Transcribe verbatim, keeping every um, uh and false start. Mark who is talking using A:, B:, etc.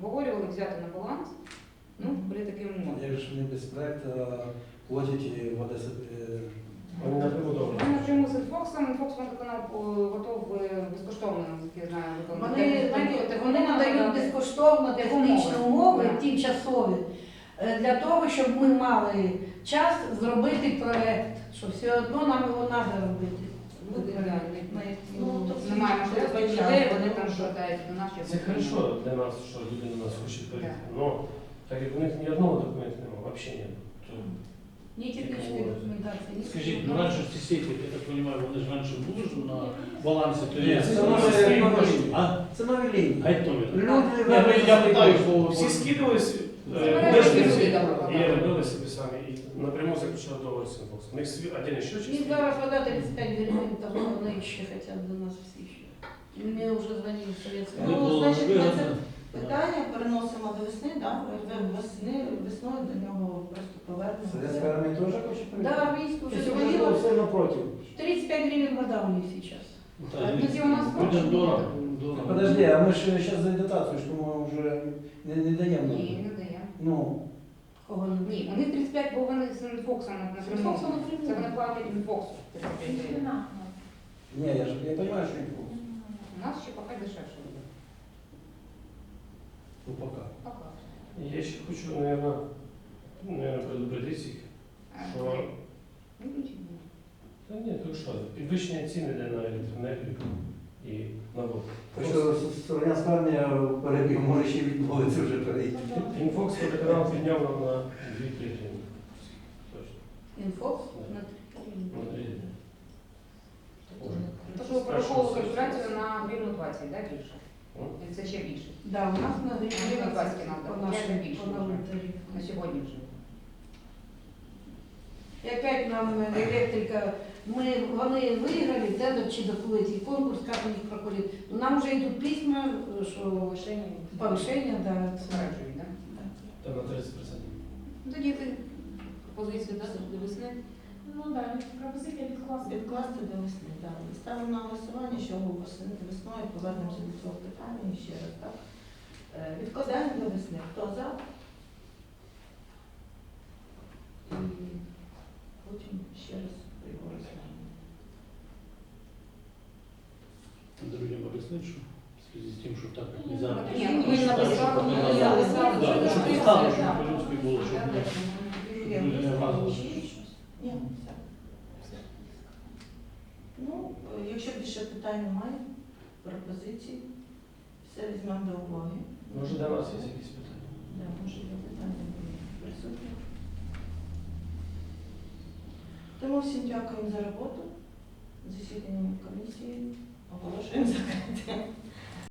A: обговорювали, взяти на баланс, ну, при таким умовам.
B: Як же вони без проекту платять в Одесі?
C: Вони напряму добре.
A: Ми напряму з Інфоксом, Інфокс водоканал готов е, безкоштовно, наскільки я знаю, виконати.
D: Вони, знаєте, вони надають безкоштовно технічні умови, тимчасові, е, для того, щоб ми мали час зробити проект, що все одно нам його треба робити.
A: Люди, да,
D: Ну, то
A: немає можливості людей, вони там шукають до нас.
C: Це хорошо для нас, що люди на нас хочуть перейти. Но так як у них ні одного документу немає, взагалі немає.
D: Ні технічної документації, ні.
E: Скажіть, ну раніше ж ці сіті, я так розумію, вони ж раніше були ж на балансі, то
B: Ні,
E: є.
B: це нові лінії.
E: А?
B: Це нові лінії.
E: А як то ми?
B: Люди,
E: Ні, ну, я питаю, бо
C: Всі скидувалися,
A: Це
C: вишли
A: мережі
C: і робили собі самі, і напряму заключали договор з Інфоксом. У них свій один ще
D: І
C: чистий.
D: зараз вода тридцять п'ять гривень, там вони ще хочуть до нас всі ще. Мені вже дзвонили в Совєтську.
E: Не
F: Ну,
E: було
F: значить, ми
E: невигодно.
F: це питання переносимо до весни, да? весни, весною до нього просто повернемося.
B: Совєтська армія теж хоче
D: Да,
B: прийти?
D: армійську вже
E: Якщо
D: дзвонила.
E: все напротив.
D: тридцять п'ять гривень вода у них зараз.
E: Так,
A: Тоді у нас
E: людям дорого. дорого.
B: Подожди, а ми ж зараз за дотацію, що ми вже не, не даємо.
A: Ні, не дає.
B: Ну,
D: Кого не
A: Ні, у них тридцять п'ять, бо вони з Інфоксом напряму.
D: Інфоксом напряму.
A: Це вони платять Інфоксу. тридцять п'ять гривень.
B: ні, я ж я розумію, що не було.
A: У нас ще поки дешевше буде.
B: Ну, поки.
A: Поки.
C: Я ще хочу, наверное, наверное, предупредити їх,
A: Е,
C: що
A: ну, нічого.
C: та ні, то що, підвищення ціни йде на електроенергію і на воду.
B: Так що Слов'янська армія перебіг, може ще відмовитися вже перейти.
C: Інфокс водоканал підняв нам на дві-три гривні. Точно.
D: Інфокс на
C: На три гривні.
A: То, що ви пораховували калькуляцію на гривну двадцять, так, більше?
C: М?
A: Чи це ще більше?
D: Да, у нас на
A: Гривна двадцять
D: гривні
A: надо,
D: по нашому
A: п'ять більше
D: по новому
A: вже.
D: тарифу.
A: На сьогодні вже.
D: І опять нам електрика, ми, вони виграли тендер чи доплатить конкурс, як у них проходить. Ну, нам вже йдуть письма, що
A: Повишення.
D: повищення, да, це.
A: Заперечують, так?
C: Там на тридцять відсотків.
A: Тоді ти пропозицію дати до весни.
G: Ну так, пропозиція відкласти.
F: Відкласти до весни, так. Ставимо на голосування, що весни- весною повернемося до цього питання і ще раз, так? Е, Відкладаємо до весни. Хто за? І потім ще раз його розглянемо.
E: Друзям об'яснити, що в зв'язку з тим, що так, як ми
A: Ні,
E: зараз.
A: ну, ми ж написали,
E: Щоб
A: ми
E: не
A: написали,
E: Да, ну,
A: що
E: щоб
A: ми
E: поставили,
A: написали,
E: щоб
A: да.
E: по-людськи було, щоб не
F: Є
E: щоб не разом.
F: Ні, все. Ну, е, якщо більше питань немає, пропозицій, все візьмемо до уваги.
C: Може, до нас є якісь питання?
F: Да, може, є питання присутні. Тому всім дякуємо за роботу. Засідання комісії оголошуємо закритим.